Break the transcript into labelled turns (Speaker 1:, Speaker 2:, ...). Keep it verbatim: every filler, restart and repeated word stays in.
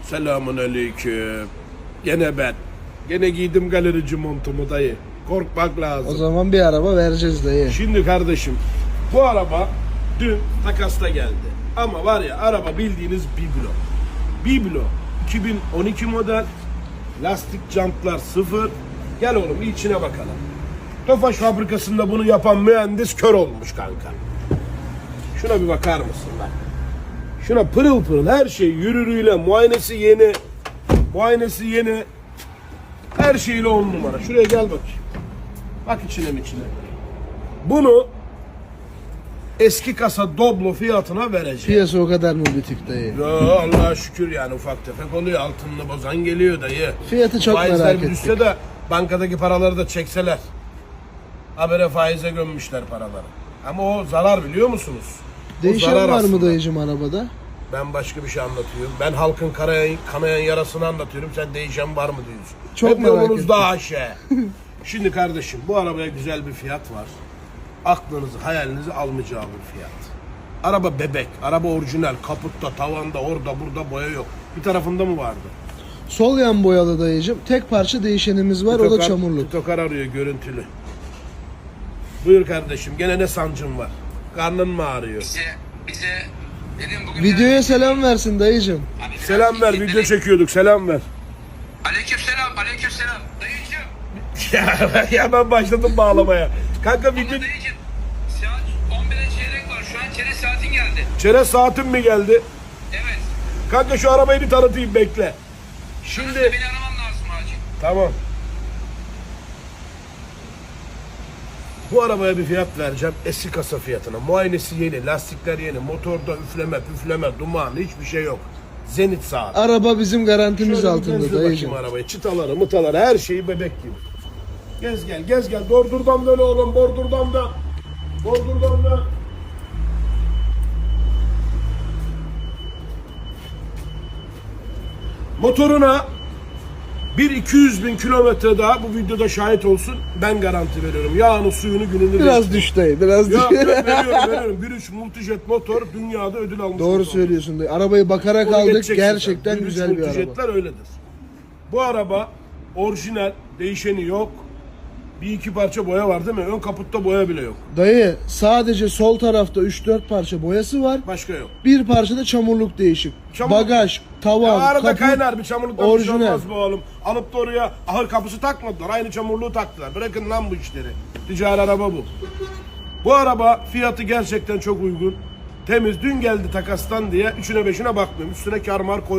Speaker 1: Selamun aleyküm. Gene ben. Gene giydim galerici montumu dayı. Korkmak lazım.
Speaker 2: O zaman bir araba vereceğiz dayı.
Speaker 1: Şimdi kardeşim, bu araba dün takasta geldi. Ama var ya, araba bildiğiniz biblo. Biblo. iki bin on iki model. Lastik jantlar sıfır. Gel oğlum bir içine bakalım. Tofaş fabrikasında bunu yapan mühendis kör olmuş kanka. Şuna bir bakar mısın bak. Şuna pırıl pırıl her şey yürürüyle, muayenesi yeni. Muayenesi yeni. Her şeyle on numara. Şuraya gel bakayım. Bak içine mi içine. Bunu eski kasa Doblo fiyatına vereceğim.
Speaker 2: Piyasa o kadar mı bitik dayı?
Speaker 1: Ya Allah'a şükür yani, ufak tefek oluyor. Altınını bozan geliyor dayı.
Speaker 2: Fiyatı çok
Speaker 1: Faizler
Speaker 2: merak
Speaker 1: bir
Speaker 2: ettik.
Speaker 1: düşse de bankadaki paraları da çekseler. Habere faize gömmüşler paraları. Ama o zarar, biliyor musunuz? O
Speaker 2: Değişen
Speaker 1: zarar
Speaker 2: var mı
Speaker 1: aslında.
Speaker 2: dayıcım arabada?
Speaker 1: Ben başka bir şey anlatıyorum. Ben halkın kanayan, kanayan yarasını anlatıyorum. Sen değişen var mı diyorsun.
Speaker 2: Çok
Speaker 1: Hep
Speaker 2: merak
Speaker 1: yolunuz
Speaker 2: ettim.
Speaker 1: daha aşağı. Şimdi kardeşim, bu arabaya güzel bir fiyat var. Aklınızı, hayalinizi almayacağı bir fiyat. Araba bebek, araba orijinal, kaputta, tavanda, orada, burada boya yok. Bir tarafında mı vardı?
Speaker 2: Sol yan boyalı dayıcım. Tek parça değişenimiz var, o da çamurluk.
Speaker 1: Titokar arıyor görüntülü. Buyur kardeşim, gene ne sancın var? Karnın mı ağrıyor?
Speaker 3: Bize, bize dedim bugün...
Speaker 2: Videoya selam versin dayıcım.
Speaker 3: Hani biraz
Speaker 1: Selam ver,
Speaker 3: dedim.
Speaker 1: video çekiyorduk, selam ver.
Speaker 3: Aleyküm selam, aleyküm selam. Dayıcım.
Speaker 1: ya, ya ben başladım bağlamaya. Kanka
Speaker 3: Ama
Speaker 1: video...
Speaker 3: dayıcım, saat on bire çeyrek var. Şu an çeyrek saatin geldi.
Speaker 1: Çerez saatin mi geldi?
Speaker 3: Evet.
Speaker 1: Kanka şu arabayı bir tanıtayım, bekle.
Speaker 3: Şimdi...
Speaker 1: Şimdi...
Speaker 3: Beni araman lazım acil.
Speaker 1: Tamam. Bu arabaya bir fiyat vereceğim. Eski kasa fiyatına. Muayenesi yeni, lastikler yeni, motorda üfleme, püfleme, duman, hiçbir şey yok. Zenit saat.
Speaker 2: Araba bizim garantimiz
Speaker 1: Şöyle bir
Speaker 2: altında
Speaker 1: gezdir
Speaker 2: dayıcım.
Speaker 1: bakayım arabayı. Çıtaları, mıtaları, her şeyi bebek gibi. Gez gel, gez gel. Bordurdan da öyle oğlum, bordurdan da. Bordurdan da. Motoruna bir iki yüz bin kilometre daha bu videoda şahit olsun. Ben garanti veriyorum. Yağını, suyunu, gününü
Speaker 2: Biraz
Speaker 1: değiştir.
Speaker 2: düş dayı, biraz düş.
Speaker 1: Ya, ya veriyorum, veriyorum. bir üç Multijet motor dünyada ödül almış.
Speaker 2: Doğru
Speaker 1: motor.
Speaker 2: söylüyorsun dayı. Arabayı bakarak
Speaker 1: Onu
Speaker 2: aldık.
Speaker 1: geçeceksin
Speaker 2: Gerçekten
Speaker 1: sen.
Speaker 2: güzel bir araba.
Speaker 1: Multijetler öyledir. Bu araba orijinal, değişeni yok. Bir iki parça boya var değil mi? Ön kaputta boya bile yok.
Speaker 2: Dayı sadece sol tarafta üç dört parça boyası var.
Speaker 1: Başka yok.
Speaker 2: Bir parça da çamurluk değişik.
Speaker 1: Çamur-
Speaker 2: Bagaj, tavan,
Speaker 1: Ya arada
Speaker 2: kaput.
Speaker 1: kaynar bir çamurluktan bir şey
Speaker 2: orijinal.
Speaker 1: olmaz bu oğlum. Alıp da oraya ahır kapısı takmadılar. Aynı çamurluğu taktılar. Bırakın lan bu işleri. Ticari araba bu. Bu araba fiyatı gerçekten çok uygun. Temiz. Dün geldi takastan diye üçüne beşine bakmıyorum. Üstüne kar mar koy.